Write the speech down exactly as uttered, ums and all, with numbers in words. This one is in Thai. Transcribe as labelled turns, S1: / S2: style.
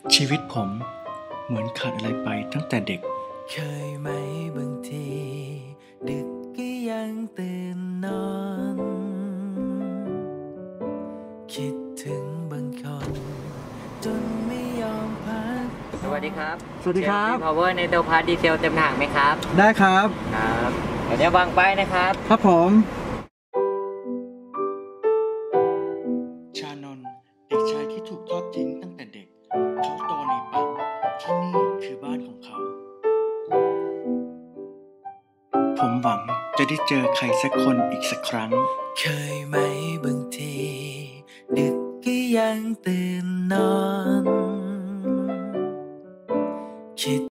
S1: ชีวิตผมเหมือนขาดอะไรไปตั้งแต่เด็ก
S2: เคยไหมบางทีดึกก็ยังตื่นนอนคิดถึงบางคนจนไม่ยอมพัก
S3: สวัสดีครับ
S1: สวัสดีครับ
S3: พาวเวอร์ในตัวพาร์ทดีเซลเต็มถังไหมครับ
S1: ได้ครับ
S3: ครับเดี๋ยวจะวางไปนะครับ
S1: ครับผม ชานนท์เด็กชายที่ถูกทอดทิ้งตั้งแต่เด็กเขาโตในป่าที่นี่คือบ้านของเขา ผมหวังจะได้เจอใครสักคนอีกสักครั้ง
S2: เคยไหมบางทีดึกก็ยังตื่นนอน